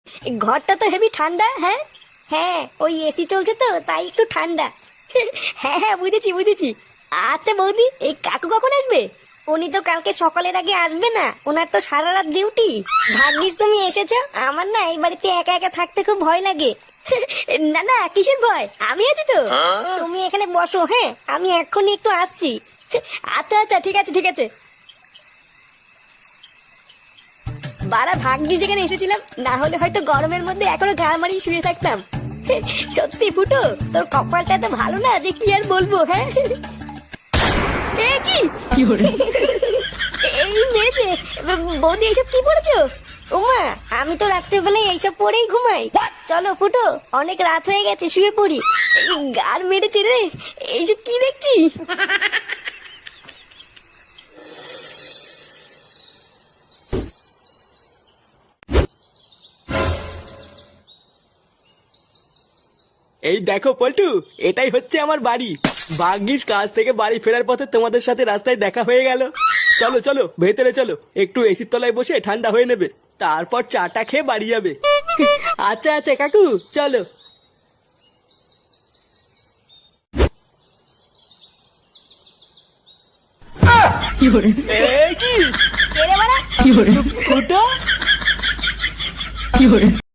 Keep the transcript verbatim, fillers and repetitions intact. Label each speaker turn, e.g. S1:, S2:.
S1: ঘরটা তো হেভি ঠান্ডা। হ্যাঁ হ্যাঁ, ওই এসি চলছে তো তাই একটু ঠান্ডা। হ্যাঁ হ্যাঁ, বুঝেছি বুঝেছি। আচ্ছা বৌদি, এই কাকু কখন আসবে? উনি তো কালকে সকালের আগে আসবে না, ওনার তো সারা রাত ডিউটি। ভাগ্যিস তুমি এসেছো, আমার না এই বাড়িতে একা একা থাকতে খুব ভয় লাগে। না না, কিসের ভয়, আমি আছি তো। তুমি এখানে বসো, হ্যাঁ আমি এক্ষুনি একটু আসছি। আচ্ছা আচ্ছা, ঠিক আছে ঠিক আছে। বাড়া ভাগ্যিস এখানে এসেছিলাম, না হলে হয়তো গরমের মধ্যে এখনো গা মারিয়ে শুয়ে থাকতাম। সত্যি ফুটো, তোর কপালটা এত ভালো না যে কি আর বলবো। হ্যাঁ এ কি এই মেরেছে বৌদি, এইসব কি পড়েছো? ওমা, আমি তো রাত্রেবেলায় এইসব পরেই ঘুমাই। চলো ফুটো, অনেক রাত হয়ে গেছে, শুয়ে পড়ি। গার মেরেছে রে, এইসব কি দেখছি।
S2: এই দেখো পল্টু, এটাই হচ্ছে আমার বাড়ি। ভাগ্যিস কাজ থেকে বাড়ি ফেরার পথে তোমাদের সাথে রাস্তায় দেখা হয়ে গেল। চলো চলো ভেতরে চলো, একটু এসির তলায় বসে ঠান্ডা হয়ে নেবে, তারপর চাটা খেয়ে বাড়ি যাবে। আচ্ছা আচ্ছা কাকু, চলো। এ কি
S1: কে রে বাড়া?
S2: ফুটো?